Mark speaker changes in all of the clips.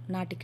Speaker 1: నాటిక.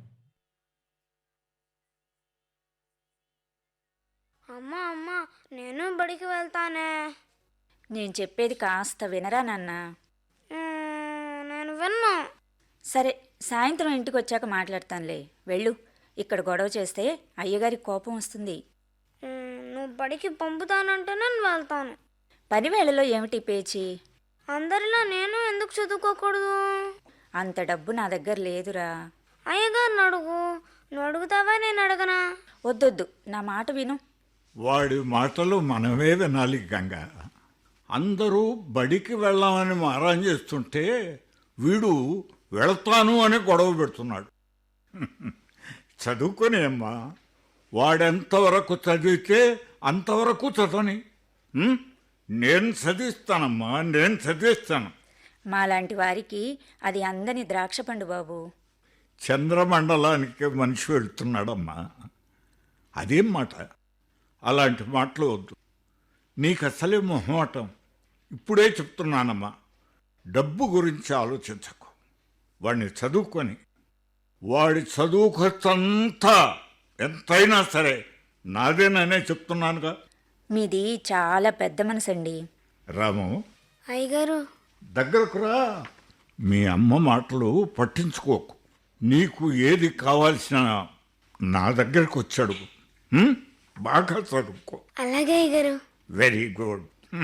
Speaker 2: అమ్మా అమ్మా, నేను బడికి వెళ్తానే.
Speaker 3: నేను చెప్పేది కాస్త వినరా నాన్న.
Speaker 2: నేను విన్నా.
Speaker 3: సరే, సాయంత్రం ఇంటికి వచ్చాక మాట్లాడతానులే. వెళ్ళు. ఇక్కడ గొడవ చేస్తే అయ్యగారికి కోపం వస్తుంది.
Speaker 2: నువ్వు బడికి పంపుతానంటే నేను వెళ్తాను.
Speaker 3: పనివేళలో ఏమిటి పేచి?
Speaker 2: అందరిలా నేను ఎందుకు చదువుకోకూడదు?
Speaker 3: అంత డబ్బు నా దగ్గర లేదురా.
Speaker 2: అయ్యగారిని అడుగు. నువ్వు అడుగుతావా, నేను అడగనా?
Speaker 3: వద్దొద్దు, నా మాట విను.
Speaker 4: వాడి మాటలు మనమే వినాలి గంగ. అందరూ బడికి వెళ్ళామని మారం చేస్తుంటే వీడు వెళతాను అని గొడవ పెడుతున్నాడు. చదువుకొని అమ్మా, వాడెంతవరకు చదివితే అంతవరకు చదవని. నేను చదివిస్తానమ్మా, నేను చదివిస్తాను.
Speaker 3: మాలాంటి వారికి అది అందని ద్రాక్ష పండు బాబు.
Speaker 4: చంద్రమండలానికి మనిషి వెళ్తున్నాడమ్మా. అదేం మాట? అలాంటి మాటలు వద్దు. నీకు అసలే మొహమాటం. ఇప్పుడే చెప్తున్నానమ్మా, డబ్బు గురించి ఆలోచించకు. వాడిని చదువుకొని వాడి చదువు ఖర్చంతా ఎంతైనా సరే నాదేననే చెప్తున్నానుగా.
Speaker 3: మీది చాలా పెద్ద మనసండి.
Speaker 4: రాము,
Speaker 2: అయ్యగారు
Speaker 4: దగ్గరకు రా. మీ అమ్మ మాటలు పట్టించుకోకు. నీకు ఏది కావాల్సిన నా దగ్గరకు వచ్చాడు. బాగా చదువుకో.
Speaker 2: అలాగే అయ్యగారు.
Speaker 4: Very good.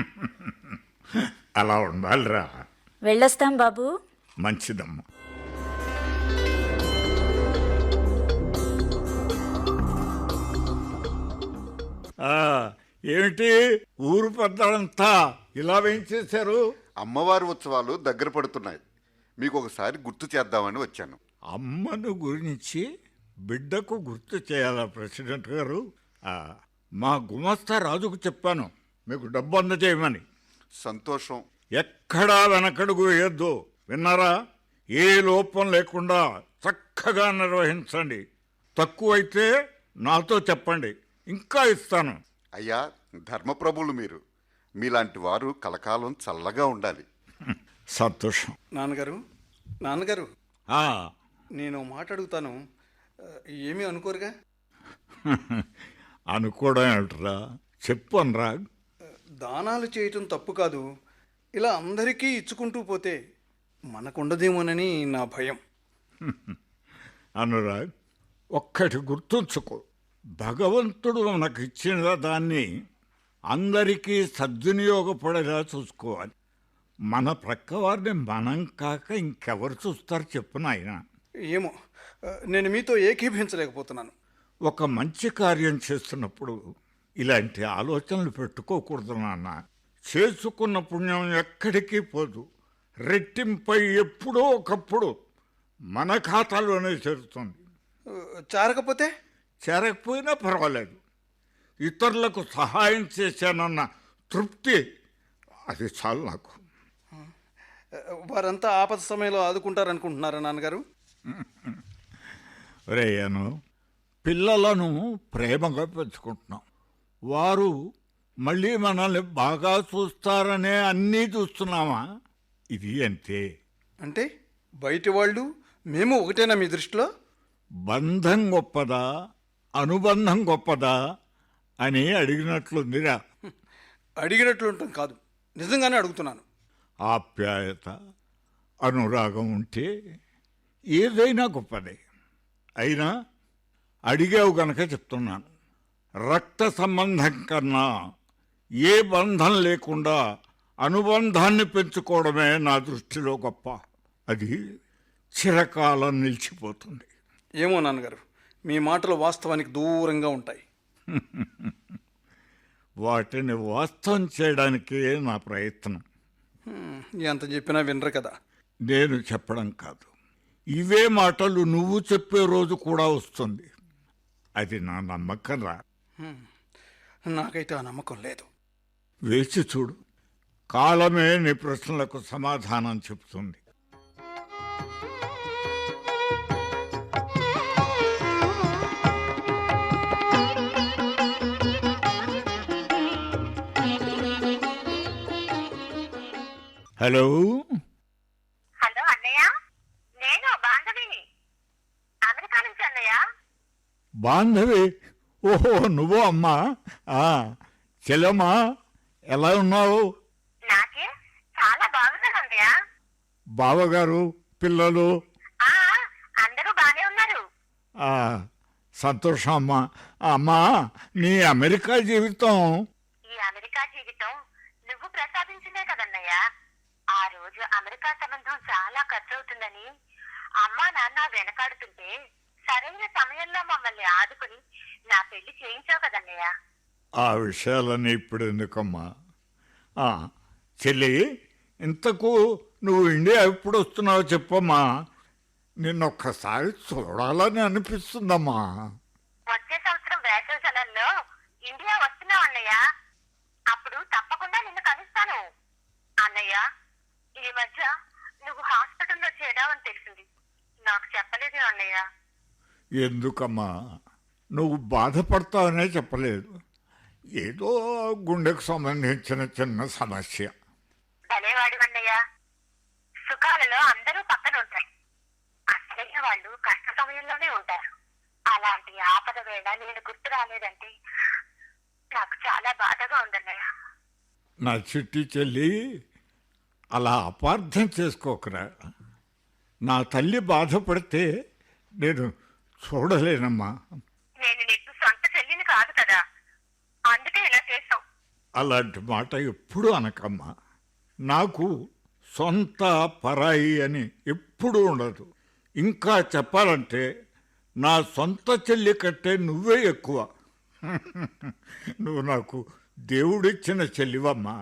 Speaker 4: అలా ఉండాలిరా.
Speaker 3: వెళ్ళొస్తాం బాబు.
Speaker 4: మంచిదమ్మా. ఏమిటి ఊరు పెద్దలంతా ఇలా వేయించేశారు?
Speaker 5: అమ్మవారి ఉత్సవాలు దగ్గర పడుతున్నాయి. మీకు ఒకసారి గుర్తు చేద్దామని వచ్చాను.
Speaker 4: అమ్మను గురించి బిడ్డకు గుర్తు చేయాలా ప్రెసిడెంట్ గారు? మా గుమస్తా రాజుకు చెప్పాను మీకు డబ్బు అందజేయమని.
Speaker 5: సంతోషం.
Speaker 4: ఎక్కడా వెనకడుగు వేయొద్దు, విన్నారా? ఏ లోపం లేకుండా చక్కగా నిర్వహించండి. తక్కువైతే నాతో చెప్పండి, ఇంకా ఇస్తాను.
Speaker 5: అయ్యా, ధర్మప్రభులు మీరు. మీలాంటి వారు కలకాలం చల్లగా ఉండాలి.
Speaker 4: సంతోషం.
Speaker 6: నాన్నగారు నేను మాట అడుగుతాను, ఏమీ అనుకోరుగా?
Speaker 4: అనుకోవడం ఏమిట్రా, చెప్పు అనరా.
Speaker 6: దానాలు చేయటం తప్పు కాదు. ఇలా అందరికీ ఇచ్చుకుంటూ పోతే మనకుండదేమోనని నా భయం.
Speaker 4: అనురాగ్, ఒక్కటి గుర్తుంచుకో. భగవంతుడు మనకు ఇచ్చిన దాన్ని అందరికీ సద్వినియోగపడేలా చూసుకోవాలి. మన ప్రక్కవారిని మనం కాక ఇంకెవరు చూస్తారు చెప్పు నాయన?
Speaker 6: ఏమో, నేను మీతో ఏకీభించలేకపోతున్నాను.
Speaker 4: ఒక మంచి కార్యం చేస్తున్నప్పుడు ఇలాంటి ఆలోచనలు పెట్టుకోకూడదు నాన్న. చేసుకున్న పుణ్యం ఎక్కడికి పోదు, రెట్టింపై ఎప్పుడో ఒకప్పుడు మన ఖాతాలోనే చేరుతుంది.
Speaker 6: చారకపోతే?
Speaker 4: చేరకపోయినా పర్వాలేదు. ఇతరులకు సహాయం చేశానన్న తృప్తి, అది చాలు నాకు.
Speaker 6: వారంతా ఆపద సమయంలో ఆదుకుంటారనుకుంటున్నారా నాన్నగారు?
Speaker 4: రేయను, పిల్లలను ప్రేమగా పెంచుకుంటున్నాం. వారు మళ్ళీ మనల్ని బాగా చూస్తారనే అన్నీ చూస్తున్నామా? ఇది అంతే.
Speaker 6: అంటే బయటి వాళ్ళు మేము ఒకటేనా మీ దృష్టిలో?
Speaker 4: బంధం గొప్పదా, అనుబంధం గొప్పదా అని అడిగినట్లుందిరా.
Speaker 6: అడిగినట్లుంటాం కాదు, నిజంగానే అడుగుతున్నాను.
Speaker 4: ఆప్యాయత, అనురాగం ఉంటే ఏదైనా గొప్పదే. అయినా అడిగావు గనక చెప్తున్నాను. రక్త సంబంధం కన్నా ఏ బంధం లేకుండా అనుబంధాన్ని పెంచుకోవడమే నా దృష్టిలో గొప్ప. అది చిరకాలం నిలిచిపోతుంది.
Speaker 6: ఏమో నాన్నగారు, మీ మాటలు వాస్తవానికి దూరంగా ఉంటాయి.
Speaker 4: వాటిని వాస్తవం చేయడానికే నా ప్రయత్నం.
Speaker 6: ఎంత చెప్పినా వినరు కదా.
Speaker 4: నేను చెప్పడం కాదు, ఇవే మాటలు నువ్వు చెప్పే రోజు కూడా వస్తుంది. అది నా నమ్మకం రా.
Speaker 6: నాకైతే ఆ నమ్మకం లేదు.
Speaker 4: వేచి చూడు, కాలమే నీ ప్రశ్నలకు సమాధానం చెబుతుంది. హలో
Speaker 7: హలో అన్నయ్య, నేను బాంధవిని.
Speaker 4: బాంధవి, ఓహో నువ్వు అమ్మా. చెల్లమ్మా, ఎలా ఉన్నావు?
Speaker 1: నాకే చాలా బాగున్నానన్నయ్య.
Speaker 4: బావగారు, పిల్లలు?
Speaker 1: అందరూ బానే ఉన్నారు.
Speaker 4: ఆ, సంతోషం అమ్మా. అమ్మా, నీ అమెరికా జీవితం?
Speaker 1: ఈ అమెరికా జీవితం నువ్వు ప్రసాదించిందే కదన్నయ్య. ఆ రోజు అమెరికా సంబంధం చాలా ఖర్చు అవుతుందని అమ్మా నాన్న వెనకాడుతుంటే సరైన సమయంలో మమ్మల్ని ఆదుకుని నా పెళ్లి చేయించావు కదన్నయ్య.
Speaker 4: ఆ విషయాలన్నీ ఇప్పుడు ఎందుకమ్మా? చెల్లి, ఇంతకు నువ్వు ఇండియా ఎప్పుడు వస్తున్నావో చెప్పమ్మా. నిన్నొక్కసారి చూడాలని అనిపిస్తుందమ్మా.
Speaker 1: వచ్చే సంవత్సరం వేసవి సెలవుల్లో ఇండియా వస్తున్నావు అన్నయ్య. అప్పుడు తప్పకుండా నిన్ను కలుస్తాను. అన్నయ్య, ఈ మధ్య నువ్వు హాస్పిటల్లో చేరావని తెలిసింది. నాకు చెప్పలేదు అన్నయ్య.
Speaker 4: ఎందుకమ్మా? నువ్వు బాధపడతావనే చెప్పలేదు. ఏదో గుండెకు సంబంధించిన చిన్న సమస్య.
Speaker 1: భలేవాడు అన్నయ్య. సుఖాలలో అందరూ పక్కన ఉంటారు. అసలైన వాళ్ళు కష్ట సమయంలోనే ఉంటారు. అలాంటి ఆపద వేళ నేను గుర్తు రాలేదంటే నాకు చాలా బాధగా ఉందన్నయ్య.
Speaker 4: నా చిట్టి చెల్లి, అలా అపార్థం చేసుకోకరా. నా తల్లి బాధపడితే నేను చూడలేనమ్మా.
Speaker 1: నేను నీకు సొంత చెల్లిని కాదు కదా, అందుకే ఇలా చేసావు.
Speaker 4: అలాంటి మాట ఎప్పుడూ అనకమ్మా. నాకు సొంత పరాయి అని ఎప్పుడూ ఉండదు. ఇంకా చెప్పాలంటే నా సొంత చెల్లి కంటే నువ్వే ఎక్కువ. నువ్వు నాకు దేవుడిచ్చిన చెల్లివమ్మా.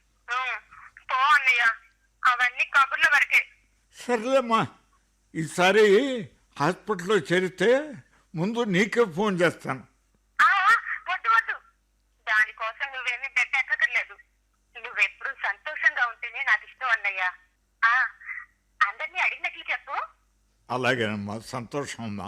Speaker 1: పో అన్నయ్య, అవన్నీ కబుర్ల వరకే.
Speaker 4: సర్లేమ్మా, ఈసారి హాస్పిటల్లో చేరితే ముందు నీకే ఫోన్ చేస్తాను.
Speaker 1: వద్దు వద్దు, దానికోసం నువ్వేమీ బెట్టక్కర్లేదు. నువ్వెప్పుడు సంతోషంగా ఉంటేనే నాకు ఇష్టం అన్నయ్య. అందరినీ అడిగినట్లు చెప్పు.
Speaker 4: అలాగేనమ్మా, సంతోషం అమ్మా.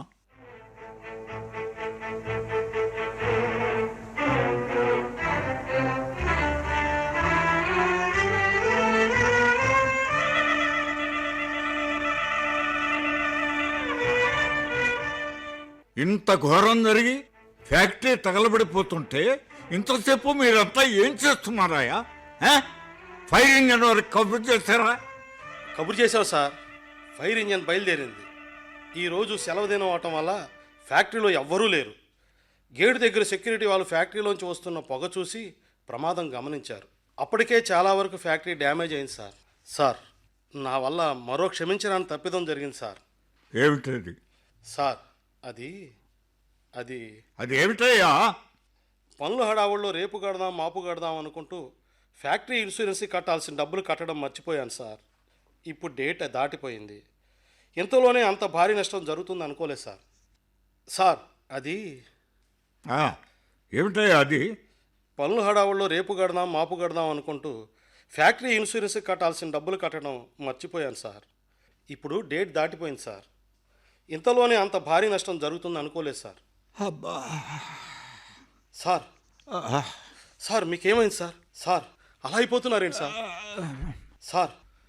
Speaker 4: ఇంత ఘోరం జరిగి ఫ్యాక్టరీ తగలబడిపోతుంటే ఇంతసేపు మీరంతా ఏం చేస్తున్నారాయా? ఫైర్ ఇంజన్ వరకు కబుర్ చేశారా?
Speaker 7: కబురు చేశావు సార్. ఫైర్ ఇంజన్ బయలుదేరింది. ఈరోజు సెలవు దినం అవటం వల్ల ఫ్యాక్టరీలో ఎవ్వరూ లేరు. గేటు దగ్గర సెక్యూరిటీ వాళ్ళు ఫ్యాక్టరీలోంచి వస్తున్న పొగ చూసి ప్రమాదం గమనించారు. అప్పటికే చాలా వరకు ఫ్యాక్టరీ డ్యామేజ్ అయింది సార్. సార్, నా వల్ల మరో క్షమించడానికి తప్పిదం జరిగింది సార్.
Speaker 4: ఏమిటది?
Speaker 7: సార్, అది
Speaker 4: ఏమిటయ్యా?
Speaker 7: పనుల హడావుల్లో రేపు కడదాం మాపు కడదాం అనుకుంటూ ఫ్యాక్టరీ ఇన్సూరెన్స్కి కట్టాల్సిన డబ్బులు కట్టడం మర్చిపోయాను సార్. ఇప్పుడు డేట్ దాటిపోయింది. ఇంతలోనే అంత భారీ నష్టం జరుగుతుంది అనుకోలేదు సార్. సార్, అది
Speaker 4: ఏమిటయ్యా? అది
Speaker 7: పనుల హడావుల్లో రేపు కడదాం మాపు కడదాం అనుకుంటూ ఫ్యాక్టరీ ఇన్సూరెన్స్కి కట్టాల్సిన డబ్బులు కట్టడం మర్చిపోయాను సార్. ఇప్పుడు డేట్ దాటిపోయింది సార్. ఇంతలోనే అంత భారీ నష్టం జరుగుతుంది అనుకోలేదు సార్.
Speaker 4: అబ్బా!
Speaker 7: సార్, సార్ మీకేమైంది సార్? సార్, అలా అయిపోతున్నారేంటి సార్? సార్,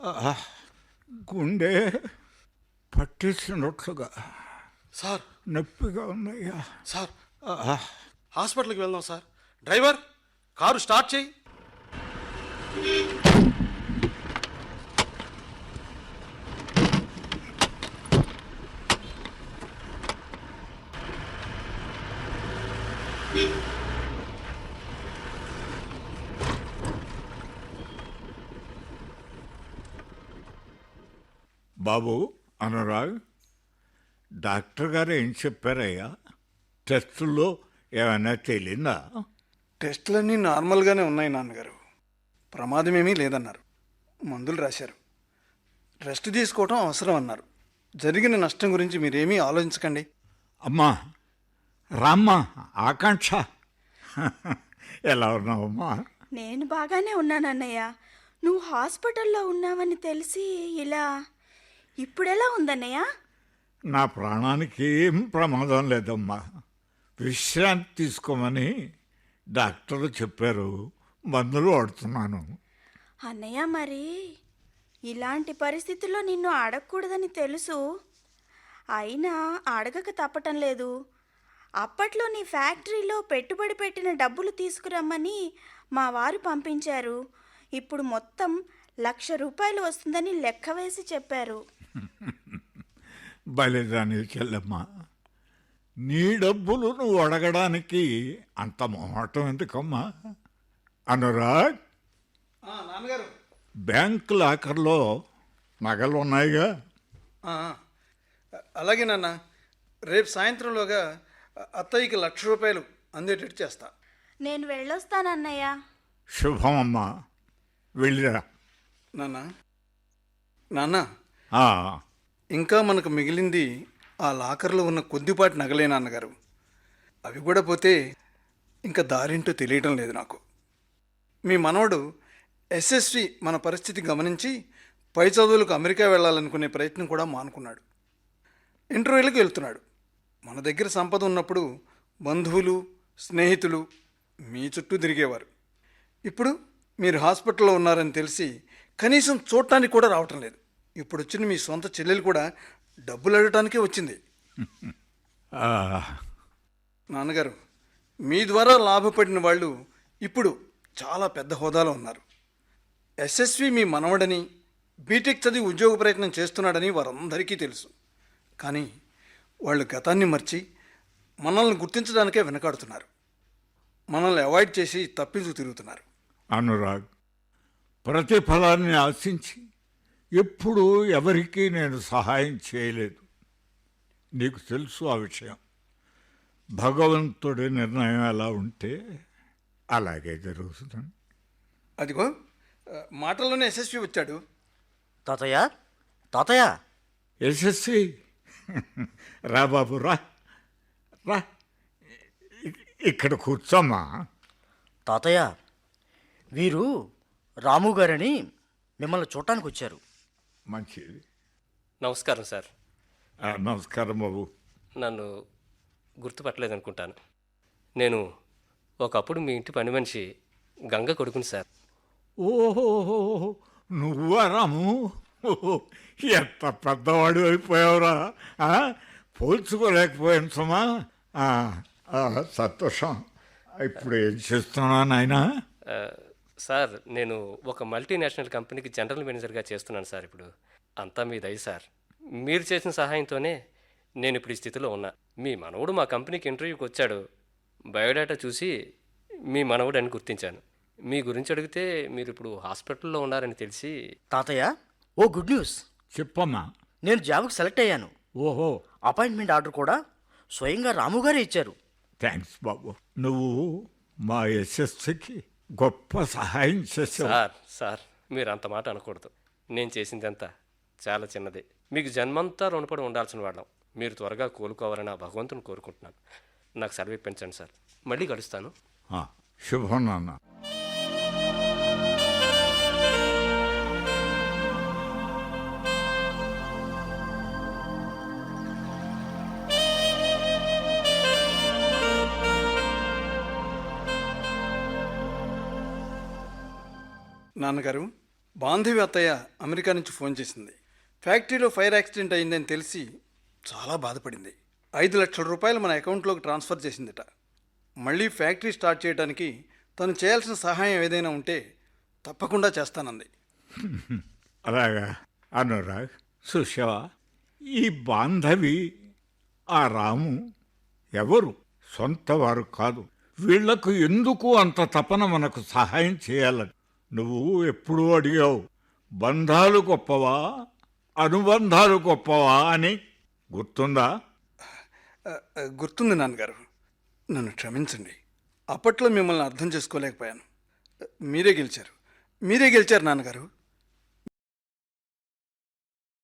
Speaker 4: గుండె పట్టేసినట్లుగా
Speaker 7: సార్
Speaker 4: నొప్పిగా ఉందయ్యా.
Speaker 7: సార్, హాస్పిటల్కి వెళ్దాం సార్. డ్రైవర్, కారు స్టార్ట్ చేయి.
Speaker 4: బాబు అనురాగ్, డాక్టర్ గారు ఏం చెప్పారయ్యా? టెస్టుల్లో ఏమైనా తేలిందా?
Speaker 6: టెస్టులన్నీ నార్మల్గానే ఉన్నాయి నాన్నగారు. ప్రమాదమేమీ లేదన్నారు. మందులు రాశారు. రెస్ట్ తీసుకోవటం అవసరం అన్నారు. జరిగిన నష్టం గురించి మీరేమీ ఆలోచించకండి.
Speaker 4: అమ్మా రామ్మ, ఆకాంక్ష, ఎలా ఉన్నావమ్మా?
Speaker 8: నేను బాగానే ఉన్నానన్నయ్య. నువ్వు హాస్పిటల్లో ఉన్నావని తెలిసి ఇప్పుడెలా ఉందన్నయ్య?
Speaker 4: నా ప్రాణానికి ఏం ప్రమాదం లేదమ్మా. విశ్రాంతి తీసుకోమని డాక్టర్లు చెప్పారు. మందులు వాడుతున్నాను.
Speaker 8: అన్నయ్య, మరి ఇలాంటి పరిస్థితుల్లో నిన్ను అడగకూడదని తెలుసు. అయినా అడగక తప్పటం లేదు. అప్పట్లో నీ ఫ్యాక్టరీలో పెట్టుబడి పెట్టిన డబ్బులు తీసుకురమ్మని మా వారు పంపించారు. ఇప్పుడు మొత్తం ₹1,00,000 వస్తుందని లెక్క వేసి చెప్పారు.
Speaker 4: బలిదాని చెల్లెమ్మ, నీ డబ్బులు నువ్వు అడగడానికి అంత మొహమాటం ఎందుకమ్మా? అనురాగ్,
Speaker 6: నాన్నగారు.
Speaker 4: బ్యాంక్ లాకర్లో నగలు ఉన్నాయిగా?
Speaker 6: అలాగే నాన్న, రేపు సాయంత్రంలోగా అత్తయ్యకి ₹1,00,000 అందేటట్టు చేస్తా.
Speaker 8: నేను వెళ్ళొస్తానన్నయ్య.
Speaker 4: శుభం అమ్మా, వెళ్ళిరా.
Speaker 6: నాన్న,
Speaker 4: ఆ,
Speaker 6: ఇంకా మనకు మిగిలింది ఆ లాకర్లో ఉన్న కొద్దిపాటి నగలే నాన్నగారు. అవి కూడా పోతే ఇంకా దారింటో తెలియటం లేదు నాకు. మీ మనవడు ఎస్ఎస్వి మన పరిస్థితి గమనించి పై చదువులకు అమెరికా వెళ్ళాలనుకునే ప్రయత్నం కూడా మానుకున్నాడు. ఇంటర్వ్యూలకు వెళ్తున్నాడు. మన దగ్గర సంపద ఉన్నప్పుడు బంధువులు, స్నేహితులు మీ చుట్టూ తిరిగేవారు. ఇప్పుడు మీరు హాస్పిటల్లో ఉన్నారని తెలిసి కనీసం చూడటానికి కూడా రావటం లేదు. ఇప్పుడు వచ్చిన మీ సొంత చెల్లెలు కూడా డబ్బులు అడగటానికే వచ్చింది.
Speaker 4: ఆ,
Speaker 6: నాన్నగారు, మీ ద్వారా లాభపడిన వాళ్ళు ఇప్పుడు చాలా పెద్ద హోదాలో ఉన్నారు. ఎస్ఎస్వి మీ మనవడని, బీటెక్ చదివి ఉద్యోగ ప్రయత్నం చేస్తున్నాడని వారందరికీ తెలుసు. కానీ వాళ్ళు గతాన్ని మర్చి మనల్ని గుర్తించడానికే వెనకాడుతున్నారు. మనల్ని అవాయిడ్ చేసి తప్పించు తిరుగుతున్నారు.
Speaker 4: అనురాగ్, ప్రతిఫలాన్ని ఆశించి ఎప్పుడూ ఎవరికీ నేను సహాయం చేయలేదు. నీకు తెలుసు ఆ విషయం. భగవంతుడి నిర్ణయం ఎలా ఉంటే అలాగే జరుగుతుంది.
Speaker 6: అదిగో మాటల్లోనే ఎస్ఎస్వి వచ్చాడు.
Speaker 9: తాతయ్య, తాతయ్య,
Speaker 4: యశస్వి, రా బాబు, రా రా, ఇక్కడ కూర్చోమ్మా.
Speaker 9: తాతయ్య, వీరు రాము గారని మిమ్మల్ని చూడటానికి వచ్చారు.
Speaker 4: మంచిది.
Speaker 10: నమస్కారం సార్.
Speaker 4: నమస్కారం బాబు.
Speaker 10: నన్ను గుర్తుపట్టలేదనుకుంటాను. నేను ఒకప్పుడు మీ ఇంటి పని మనిషి గంగ కొడుకుని సార్.
Speaker 4: ఓహో, నువ్వా రాము? ఓహో, ఎంత పెద్దవాడు అయిపోయావురా. పోల్చుకోలేకపోయాను సుమా. సంతోషం. ఇప్పుడు ఏం చేస్తున్నా నాయనా?
Speaker 10: సార్, నేను ఒక మల్టీనేషనల్ కంపెనీకి జనరల్ మేనేజర్గా చేస్తున్నాను సార్. ఇప్పుడు అంతా మీ దయ సార్. మీరు చేసిన సహాయంతోనే నేను ఇప్పుడు ఈ స్థితిలో ఉన్నా. మీ మనవడు మా కంపెనీకి ఇంటర్వ్యూకి వచ్చాడు. బయోడేటా చూసి మీ మనవడు అని గుర్తించాను. మీ గురించి అడిగితే మీరు ఇప్పుడు హాస్పిటల్లో ఉన్నారని తెలిసి.
Speaker 9: తాతయ్య, ఓ గుడ్ న్యూస్.
Speaker 4: చెప్పమ్మా.
Speaker 9: నేను జాబ్కి సెలెక్ట్ అయ్యాను.
Speaker 4: ఓహో,
Speaker 9: అపాయింట్మెంట్ ఆర్డర్ కూడా స్వయంగా రాము గారే ఇచ్చారు.
Speaker 4: థ్యాంక్స్ బాబు. నువ్వు మా యశస్సుకి గొప్ప సహాయం చేసావు.
Speaker 10: సార్ మీరు అంత మాట అనకూడదు. నేను చేసిందంతా చాలా చిన్నదే. మీకు జన్మంతా రుణపడి ఉండాల్సిన వాళ్ళం. మీరు త్వరగా కోలుకోవాలని ఆ భగవంతుని కోరుకుంటున్నాను. నాకు సెలవు ఇప్పించండి సార్. మళ్ళీ కలుస్తాను.
Speaker 4: శుభం నాన్న.
Speaker 6: నాన్నగారు, బాంధవి అత్తయ్య అమెరికా నుంచి ఫోన్ చేసింది. ఫ్యాక్టరీలో ఫైర్ యాక్సిడెంట్ అయిందని తెలిసి చాలా బాధపడింది. ₹5,00,000 మన అకౌంట్లోకి ట్రాన్స్ఫర్ చేసిందిట. మళ్ళీ ఫ్యాక్టరీ స్టార్ట్ చేయడానికి తను చేయాల్సిన సహాయం ఏదైనా ఉంటే తప్పకుండా చేస్తానంది.
Speaker 4: అలాగా అనురాగ్, సుషవా, ఈ బాంధవి, ఆ రాము ఎవరు? సొంత వారు కాదు. వీళ్లకు ఎందుకు అంత తపన మనకు సహాయం చేయాలని? నువ్వు ఎప్పుడూ అడిగావు, బంధాలు గొప్పవా, అనుబంధాలు గొప్పవా అని. గుర్తుందా?
Speaker 6: గుర్తుంది నాన్నగారు. నన్ను క్షమించండి. అప్పట్లో మిమ్మల్ని అర్థం చేసుకోలేకపోయాను. మీరే గెలిచారు నాన్నగారు.